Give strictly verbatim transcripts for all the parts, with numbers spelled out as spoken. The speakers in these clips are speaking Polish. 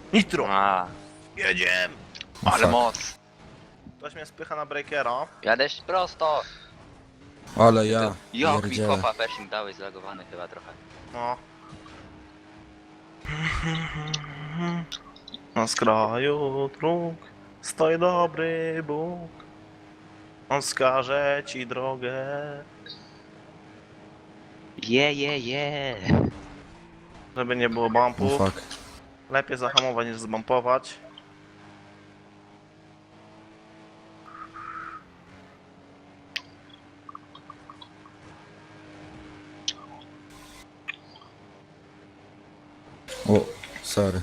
Nitro! A, Jedziemy! O, ale fuck. moc. Ktoś mnie spycha na breakera. Jadę prosto. Ale ja, Jak mi pierdzielę. kopa pershing dałeś zlagowany chyba trochę. No. Na skraju dróg stoi dobry Bóg. On wskaże ci drogę. Je, je, je. Żeby nie było O, bumpów. fuck. Lepiej zahamować niż zbumpować. O, sorry.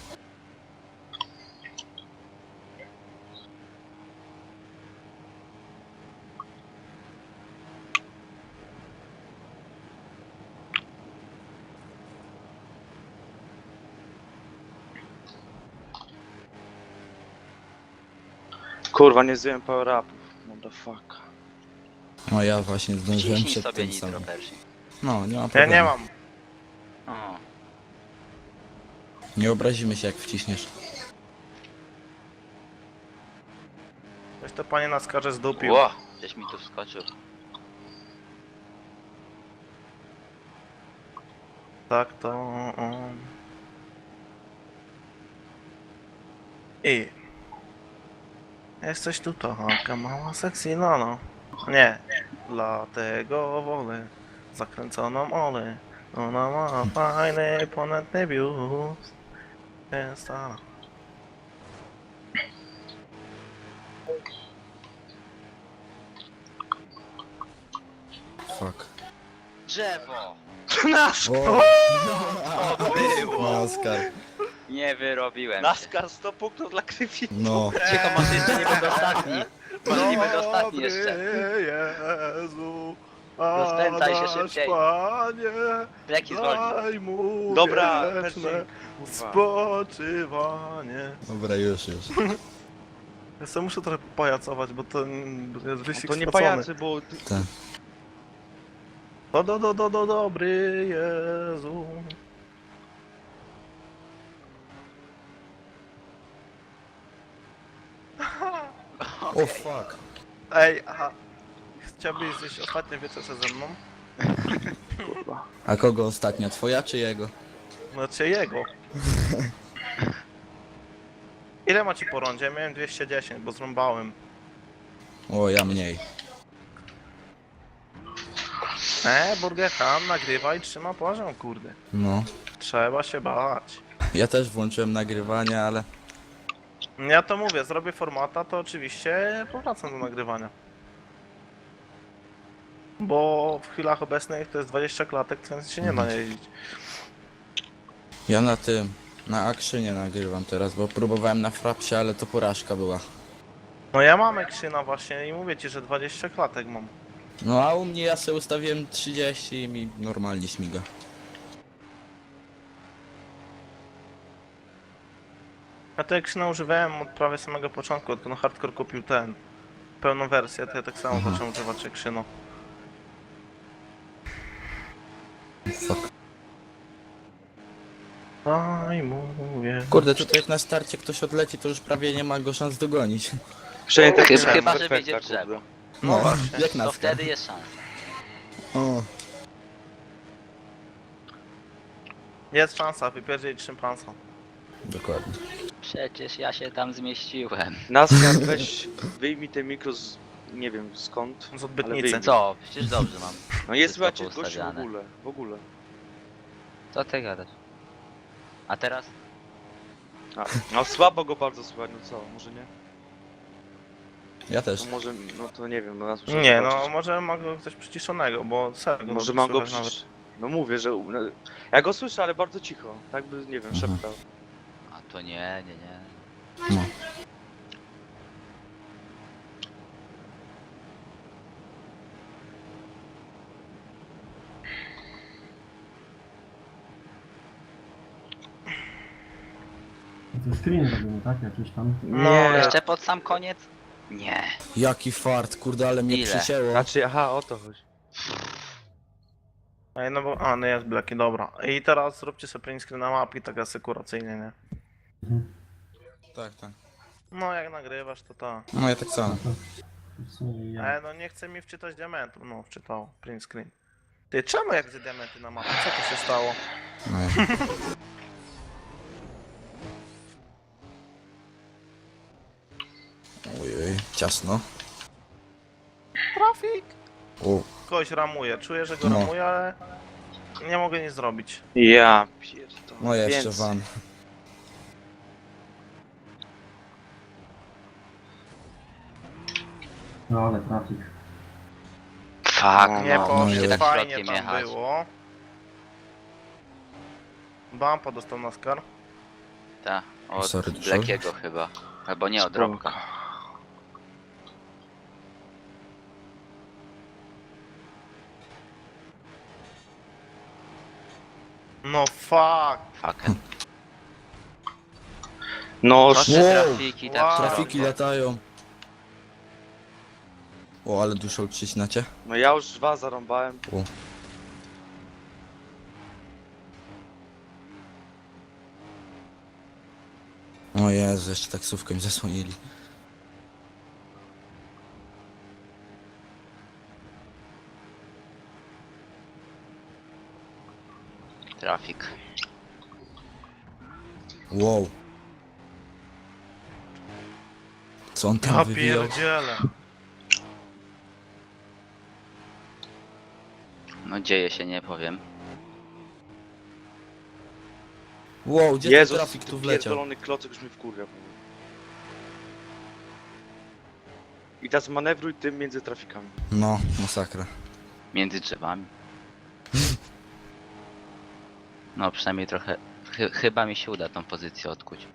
Kurwa, nie zdjąłem power upów. Motherfucker. No ja właśnie zdążyłem Wciśnij przed sobie tym nitro samym. pershing. No, nie ma Ja problemu. nie mam. O, Nie obrazimy się jak wciśniesz. Ktoś to panie na skarze zdupił. ło, gdzieś mi tu wskoczył. Tak to on. I jesteś tu taka mała sexy lano. Nie, dlatego wolę zakręconą olę. Ona ma fajny ponadny biust. Jest ta. Fuck. Drzewo! Nasz O, To było! Oskar. Nie wyrobiłem się. NASCAR sto punktów dla Krywi. No, Cicho, może jeszcze nie będę ostatni. Może nie będę ostatni Dobry jeszcze. Jezu, Rozpędzaj się a nasz szybciej. Panie, Breki zwolnij. daj mu Dobra, wieczne Pershing. Kurwa. spoczywanie. dobra, już, już. Ja sobie muszę trochę popajacować, bo to jest No wyścig to nie stracony. pajacy, bo... ty- Tak. Do, do, do, do, do, dobry Jezu. O, fuck. Ej, aha. Chciałbyś zjeść ostatnie wieczerze ze mną? Kurwa. A kogo ostatnia? Twoja czy jego? Znaczy jego. Ile macie po rondzie? Miałem dwieście dziesięć, bo zrąbałem. O, ja mniej. E, Burger Ham nagrywa i trzyma poziom, kurde. No. Trzeba się bać. Ja też włączyłem nagrywanie, ale... Ja to mówię, zrobię formata, to oczywiście powracam do nagrywania. Bo w chwilach obecnych to jest dwadzieścia klatek, więc się nie da jeździć. Ja na tym, na Akrzynie nagrywam teraz, bo próbowałem na Frapsie, ale to porażka była. No ja mam Exyna właśnie i mówię ci, że dwadzieścia klatek mam. No a u mnie ja sobie ustawiłem trzydzieści i mi normalnie śmiga. Ja to Exyna używałem od prawie samego początku, od ten hardcore kupił ten pełną wersję, to ja tak samo Mhm. zacząłem używać Exyna. Fuck. Aj, mówię. Kurde, tutaj jak na starcie ktoś odleci, to już prawie nie ma go szans dogonić. Przynajmniej tak Chyba- nie chyba, miałem że efekta, wyjdzie w drzewo. kurde. No, właśnie. jak na To wtedy jest szansa. O, Jest szansa, wypierdzieć szympansa. dokładnie. Przecież ja się tam zmieściłem. NASCAR, weź, wyjmij te mikro z... nie wiem skąd. Z odbytnicy. wyjdzie. Co? Przecież dobrze mam. No jest Wszystko słuchajcie, gościu w poustawiane. ogóle, w ogóle. Co ty gadasz? A teraz? A, no słabo go bardzo słychać, no co, może nie? Ja też. No może, no to nie wiem, no nas muszę Nie, no zobaczyć. może ma go coś przyciszonego, bo serio. Może go mam go słychać przecież... No mówię, że... no, ja go słyszę, ale bardzo cicho, tak by, nie wiem, Mhm. szeptał. A to nie, nie, nie. No. To screen robimy, tak? Jakiś tam. No, Nie, Jeszcze pod sam koniec? Nie. Jaki fart, kurde, ale mnie Ile? przycięło. znaczy, aha, o to chodzi. Ej, no bo, a, no jest Blackie, dobra. I teraz zróbcie sobie print screen na mapki tak asekuracyjnie, nie? Tak, tak. No jak nagrywasz to to. No ja tak samo. W sumie ja. Ale no nie chce mi wczytać diamentu. No wczytał. Print screen. Ty czemu jak widzę diamenty na mapie? Co tu się stało? No ja. Ojej, ciasno. Trafik! O, Kogoś ramuje. Czuję, że go No. ramuje, ale nie mogę nic zrobić. Ja pierdolę. no jeszcze Więc- van. No ale trafik. Fuck, No, Nie no, poszło, no, tak fajnie środkiem tam jechać. było. Bumpa dostał na skar. Ta, od Sorry, dużo. Blackiego chyba. Albo nie, od Spoko. Robka. No fuck. Fucken. No, Proszę Wow. trafiki, tak Wow. Trafiki latają. O, ale dużo uciśnacie. no ja już dwa zarąbałem. O Jezu, jeszcze taksówkę mi zasłonili. Trafik. Wow. Co on tam Ja wywijał? pierdzielę. No dzieje się, nie powiem. Wow, gdzie Jezus, ten trafik tu wleciał? pierdolony klocek już mi wkurwia. I teraz manewruj tym między trafikami. No, masakra. Między drzewami. No przynajmniej trochę... Chy chyba mi się uda tą pozycję odkuć.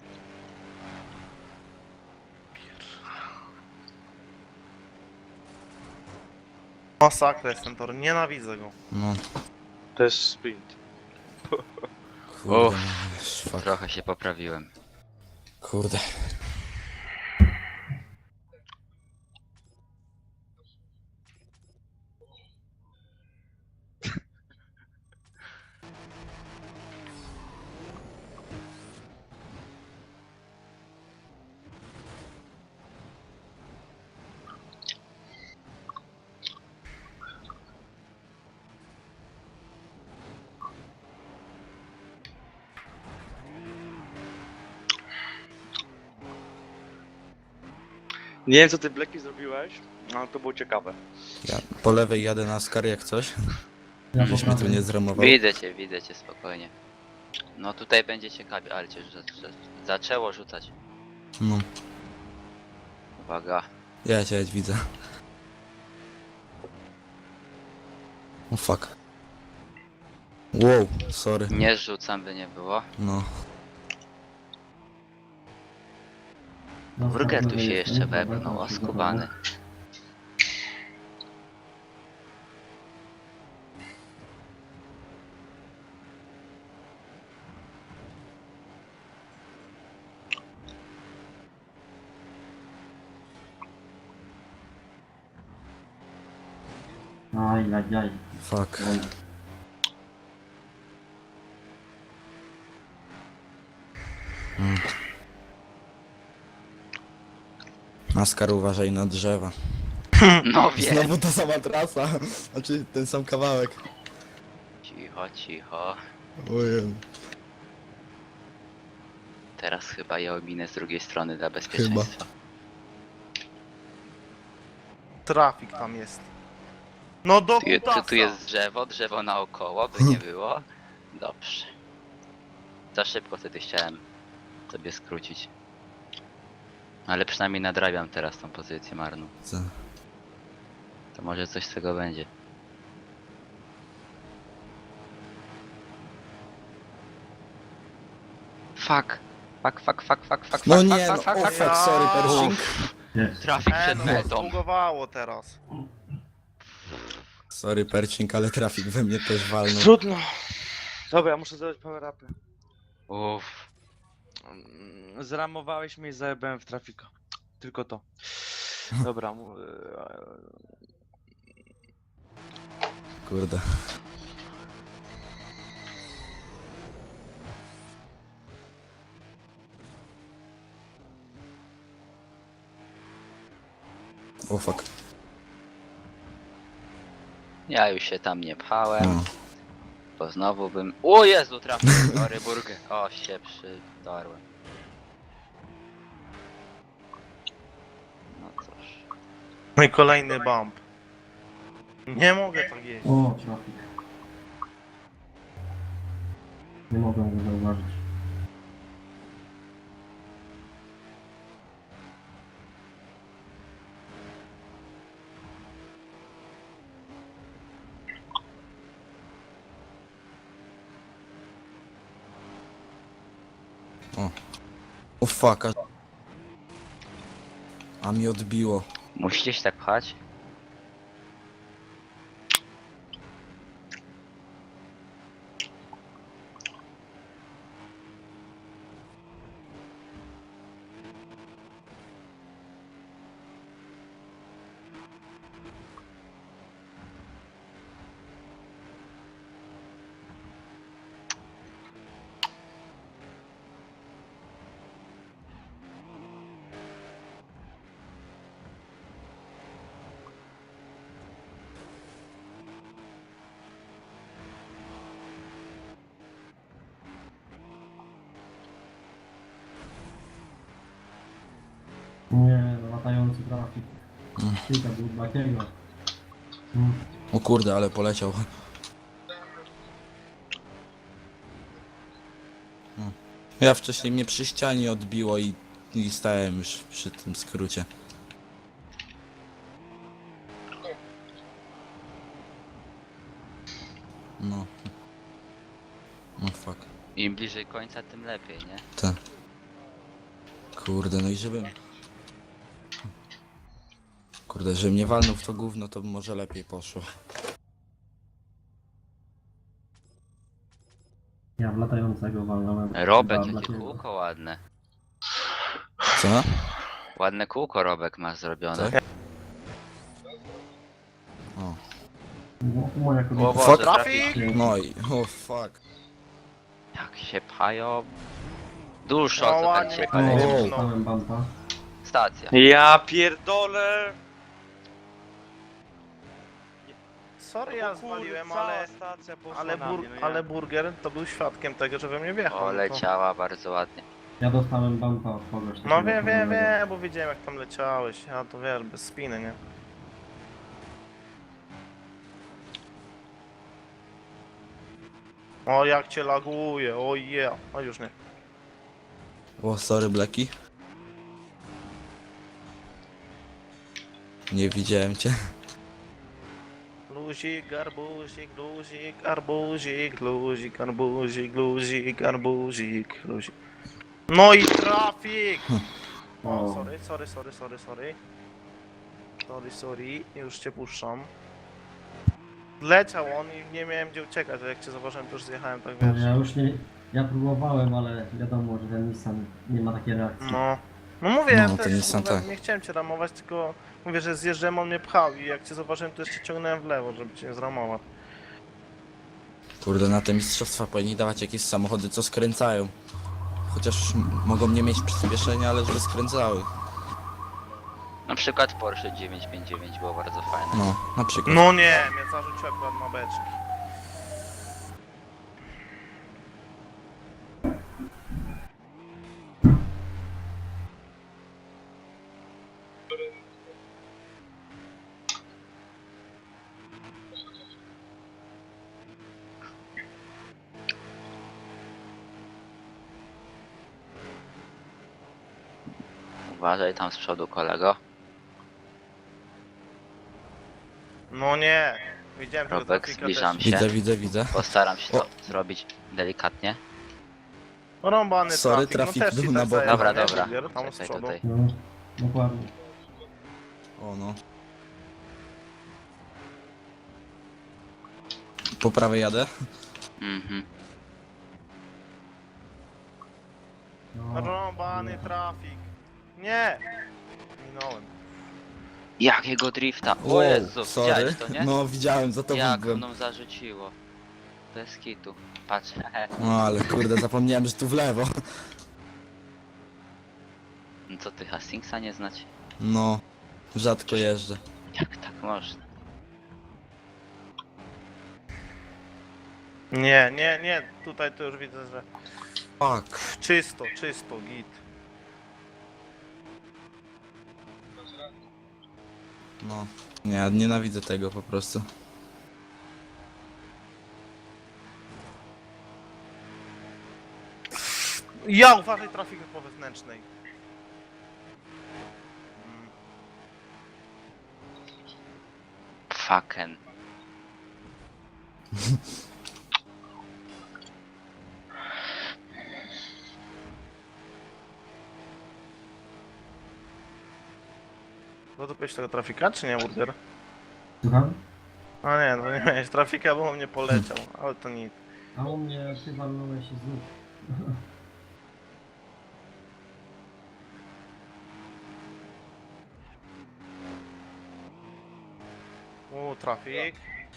Masakra jest ten tor. Nienawidzę go. No, To jest sprint. kurde, Uff. no, fuck. Trochę się poprawiłem. Kurde. Nie wiem co ty Blacki zrobiłeś, ale to było ciekawe. Ja po lewej jadę na skar jak coś, Ja żeś mnie tu nie zramował. Widzę cię, widzę cię spokojnie. No tutaj będzie ciekawie, ale cię rzu- rzu- zaczęło rzucać. No, Uwaga. ja cię widzę. O fuck. Wow, sorry. Nie rzucam, by nie było. No, Wróger tu się jeszcze wepnął, oskubany. Aj, aj, aj. fuck. Oj. Na skar uważaj na drzewa. No wiem. Znowu ta sama trasa. Znaczy ten sam kawałek. Cicho, cicho. Ojej. Teraz chyba je ominę z drugiej strony dla bezpieczeństwa. Trafik tam jest. No do Tu, je- tu, kutasa. tu jest drzewo, drzewo naokoło, by nie było. Dobrze. Za szybko wtedy chciałem sobie skrócić. Ale przynajmniej nadrabiam teraz tą pozycję marną. Co? To może coś z tego będzie. Fuck. Fuck, fuck, fuck, fuck, fuck, No fuck, nie, no, fuck, fuck, o fuck, fuck, fuck. sorry, Pershing. Jest. Trafik E, przed no, metą. zbugowało teraz. Sorry, Pershing, ale trafik we mnie też walnął. Trudno. Dobra, ja muszę zrobić power upy. Uff. Mm, Zramowałeś mnie i zajebałem w trafika. Tylko to. Dobra. mu- Kurde. O fuck. Ja już się tam nie pchałem, No. bo znowu bym... O Jezu, trafił! Sorry, burger. O, się przydarłem. No cóż. No i kolejny bump. Nie mogę tak jeść. O, trafik. Nie mogę go zauważyć. O fuck. A... a mi odbiło. Musicie się tak pchać? Nie, latający trafik. Mm. Kilka był takiego. Mm. O kurde, ale poleciał. No. Ja wcześniej mnie przy ścianie odbiło i, i stałem już przy tym skrócie. No. No fuck. Im bliżej końca, tym lepiej, nie? Te. Kurde, no i żebym... Kurde, żebym nie walnął w to gówno, to by może lepiej poszło. Ja w latającego walnąłem. Robek, Dla- jakie dla- kółko ładne. Co? Ładne kółko Robek ma zrobione. Tak? O. Mo- Moja O kobieta. Boże, Fuck. trafik. No i... o fuck. Jak się pchają. Dużo, No co tam ładnie się mnie pchają. koledzy O. pchnął. Dostałem bumpa. Stacja. Ja pierdolę! Sorry, ja O kurde, zwaliłem, cała ale... stacja poszła Ale, na bur, mnie, no ja- ale burger to był świadkiem tego, że we mnie wjechał. O, no to- leciała bardzo ładnie. Ja dostałem bumpa od kogoś. No takiego wiem, wiem, podobnego. wiem, bo widziałem jak tam leciałeś. Ja to wiesz, bez spiny, nie? O, jak cię laguje, o yeah. O, już nie. O, sorry, Blacki. Nie widziałem cię. Luzik, garbuzik, luzik, arbuzik, luzik, arbuzik, luzik, arbuzik, luzik. No i trafik! O, O. sorry, sorry, sorry, sorry, sorry. Sorry, sorry, już cię puszczam. Leciał on i nie miałem gdzie uciekać, a jak cię zauważyłem, to już zjechałem, tak wiesz. Ja już nie... Ja próbowałem, ale wiadomo, że ten Nissan nie ma takiej reakcji. No. No mówię, No, ja to też nie są mówię, tak. nie chciałem cię ramować, tylko mówię, że zjeżdżałem, on mnie pchał i jak cię zauważyłem, to jeszcze ciągnąłem w lewo, żeby cię nie zramować. Kurde, na te mistrzostwa powinni dawać jakieś samochody, co skręcają. Chociaż m- mogą nie mieć przyspieszenia, ale żeby skręcały. Na przykład Porsche dziewięćset pięćdziesiąt dziewięć było bardzo fajne. No, na przykład. No nie, mnie zarzucił akurat na beczki. Uważaj tam z przodu, kolego. No nie, widziałem tego Robek, trafika zbliżam też. się. Widzę, widzę, widzę. Postaram się to O. zrobić delikatnie. Rąbany Sorry, trafik, trafik no też był ci na tak boku. zajebał, Dobra, nie? dobra. Burger Tam z Czekaj przodu. tutaj. No, dokładnie. O no. Po prawej jadę. Mhm. No, Rąbany trafik. Nie! Minąłem. Jakiego drifta? O Jezu, sorry. widziałeś to, nie? No widziałem, za to Jak byłem. mną zarzuciło. Bez kitu. Patrz, No ale kurde, zapomniałem, że tu w lewo. no co ty Hastingsa nie znać? No. Rzadko jeżdżę. Jak tak można? Nie, nie, nie, tutaj to już widzę, że Fuck. czysto, czysto, git. No. Nie, nienawidzę tego po prostu. Ja uważaj trafik po wewnętrznej. Mm. Fucking. Zadupiłeś tego trafika, czy nie, Burger? Słucham? A nie, no nie miałeś trafika, bo on mnie poleciał, ale to nic. A u mnie ty walnąłeś się znów. U, trafik.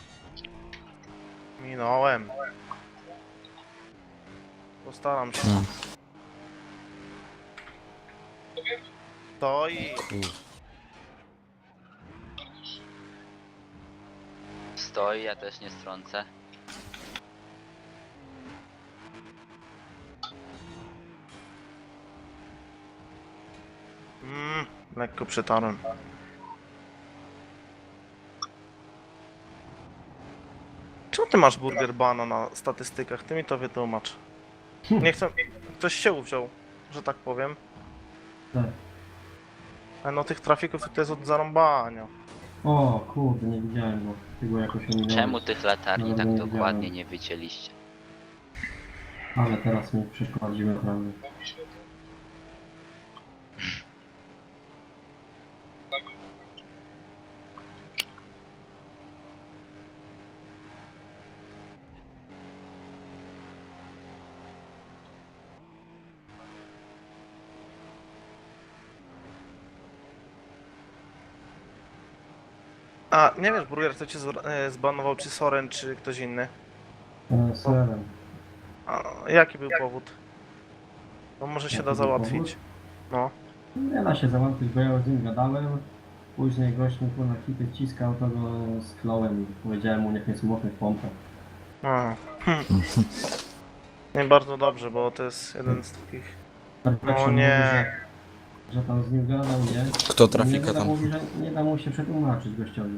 Minąłem. Postaram się. No. Stoi. Kur... Stoi, ja też nie strącę. Mm, lekko przetarłem. Czemu ty masz Burger bana na statystykach? Ty mi to wytłumacz. Nie chcę... Ktoś się uwziął, że tak powiem. Tak. Ale no tych trafików to jest od zarąbania. O kurde, nie widziałem go. Ty go jakoś ominąłeś. Czemu tych latarni No, tak nie dokładnie widziałem. nie wycięliście? Ale teraz mi przeszkodziły prawie. A, nie wiesz, Burger, kto cię zr- e, zbanował, czy Soren, czy ktoś inny? E, Serem. A, jaki był powód? No może się Jaki da był załatwić. No. Nie da się załatwić, bo ja z nim gadałem. Później gość mi tu na kity wciskał, to go skląłem i powiedziałem mu, niech mnie złapie w pompę. A. Hm. Nie bardzo dobrze, bo to jest jeden z takich... Tak No się nie. Mówi, że, że tam z nim gadał, nie? Kto Nie, trafika nie, tam? mówi, że nie da mu się przetłumaczyć gościowi.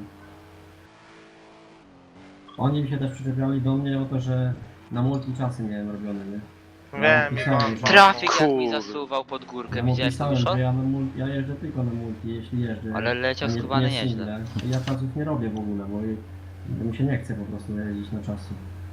Oni mi się też przyczepiali do mnie o to, że na multi czasy miałem robione, nie? Wiem, i pisałem, pan... że- Trafik jak mi Kurde. zasuwał pod górkę, Ja mu widziałeś to pisałem, już? że ja, na mul- ja jeżdżę tylko na multi, jeśli jeżdżę. Ale leciał a nie- schowany nie nieźle. single. Ja czasów nie robię w ogóle, bo bo mi się nie chce po prostu jeździć na czasy.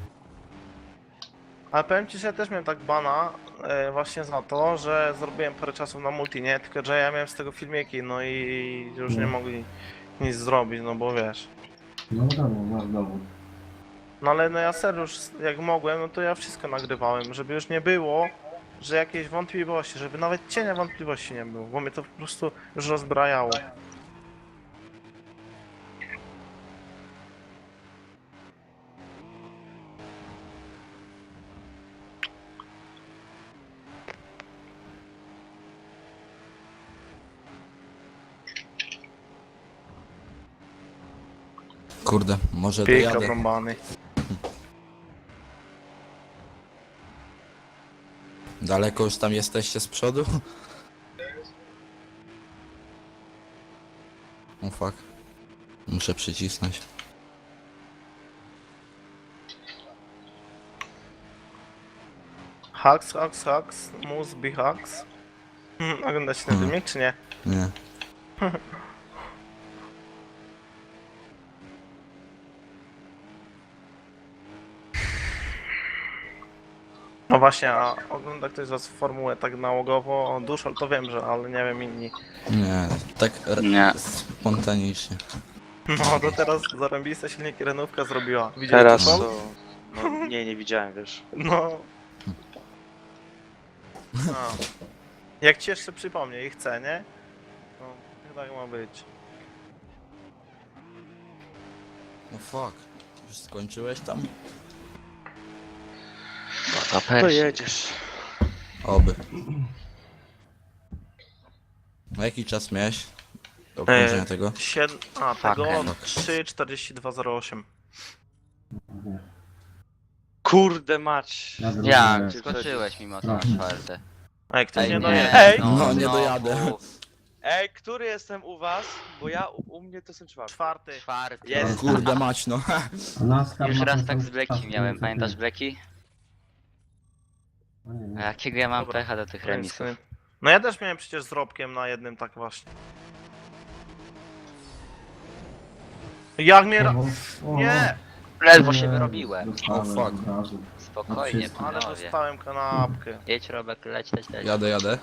Ale powiem ci, że ja też miałem tak bana e, właśnie za to, że zrobiłem parę czasów na multi, nie? Tylko, że ja miałem z tego filmiki, no i już nie No. mogli nic zrobić, no bo wiesz. No wiadomo, masz dowód. No ale no ja serio już jak mogłem, no to ja wszystko nagrywałem, żeby już nie było, że jakieś wątpliwości, żeby nawet cienia wątpliwości nie było, bo mnie to po prostu już rozbrajało. Kurde, może Pika dojadę. brąbany. Daleko już tam jesteście z przodu? O fuck. Muszę przycisnąć. Hacks, hacks, hacks, must be hacks. Hmm, oglądacie ten Hmm. filmik, czy nie? Nie. No właśnie, a ogląda ktoś z was formułę tak nałogowo? Duszol to wiem, że, ale nie wiem inni. Nie, tak r- Nie. spontanicznie. No to teraz zarąbista silniki renówka zrobiła. Widziałeś Teraz Duszol? to... No, nie, nie widziałem, wiesz. No. A. Jak ci jeszcze przypomnę i chcę, nie? No, chyba tak ma być. No fuck. Już skończyłeś tam? To To persi. jedziesz. Oby. No jaki czas miałeś? Do obciążenia E, tego. siedem, a tego Fucking. trzy czterdzieści dwa zero osiem. Nie. Kurde mać. Ja zrobię- Jak? Cię Skoczyłeś mimo to Proszę. na czwarte. Ej, ktoś Ej, nie nie, dojedzie. Ej! No, nie znowu. dojadę. Ej, który jestem u was? Bo ja u, u mnie to jestem czwarty. Czwarty. Czwarty. Jest. Kurde mać, no. A NASCAR Już ma raz ten tak sam z Bleki czas, miałem, co pamiętasz ty. Bleki? No nie, A nie. jakiego ja mam Dobra. pecha do tych remisów? No ja też miałem przecież z Robkiem na jednym tak właśnie. Jak mnie... ra- O, o, Nie! Ledwo nie, się wyrobiłem. dostałem O, fuck. od razu. Spokojnie, wszystko. Ale panowie. dostałem kanapkę. Jedź Robek, leć, leć, leć. Jadę, jadę.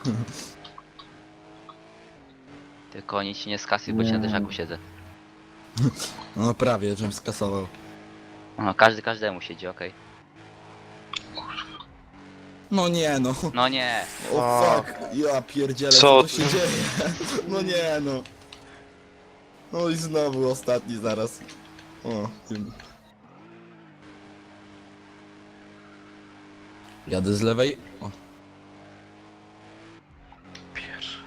Tylko nic ci nie skasuj, bo ci na Nie. dyszaku siedzę. No prawie, żebym skasował. No, każdy każdemu siedzi, okej. No nie, no. No nie, O fuck, ja pierdzielę, Co co tu ty? się dzieje? No nie, no. No i znowu ostatni zaraz. O, tym. Jadę z lewej. O, Pierwszy.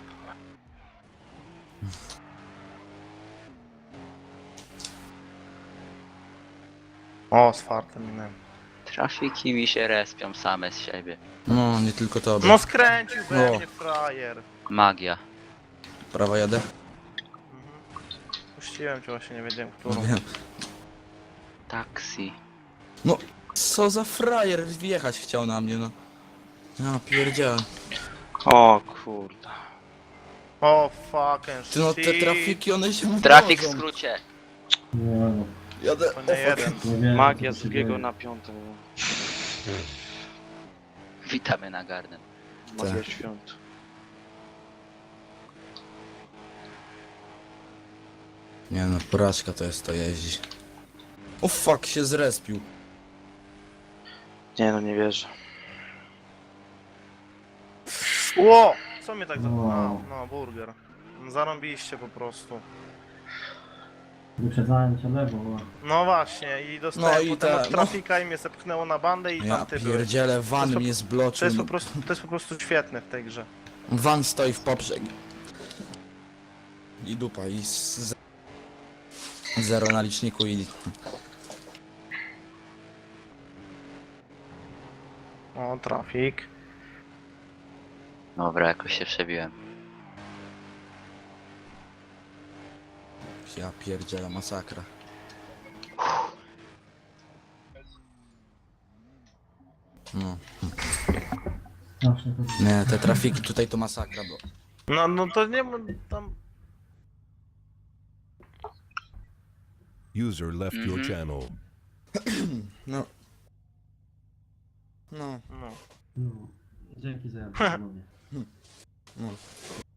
O, z fartem minąłem. trafiki mi się respią same z siebie. no, nie tylko tobie. No skręcił we No. mnie frajer. Magia. Prawa jadę. Mhm. Puściłem cię właśnie, nie wiedziałem którą. Wiem. Taksi. Co za frajer wjechać chciał na mnie, no. Ja pierdzielę. O kurde. O fucking Ty no te shit. trafiki, one się Trafik w mnożą. skrócie. Nie, no. Jadę. To O, nie fuck. jeden. Nie wiem, Magia co z tu się drugiego dzieje. na piąte. Witamy na garden. Magia Tak. świąt. Nie no, porażka to jest to jeździ. O fuck, się zrespił. Nie no, nie wierzę. Ło! Co mnie tak za... Wow. No, no, burger. Zarąbiście po prostu. Wyprzedzałem cię lewo. No właśnie, i dostałem No i potem ta- od trafika i mnie zepchnęło na bandę i Ja tam ty byłeś. pierdzielę, To van jest mnie To zbloczył. jest, po No, prostu, to jest po prostu świetne w tej grze. van stoi w poprzek. I dupa, i z... z- zero na liczniku i... O, trafik. Dobra, jakoś się przebiłem. Ja pierdzielę, masakra. No. Zawsze to... Nie, te trafiki tutaj to masakra, bo... No, no to nie ma tam... User left your Mhm. channel. No. No. No. No. Dzięki za jazdę, panowie. No.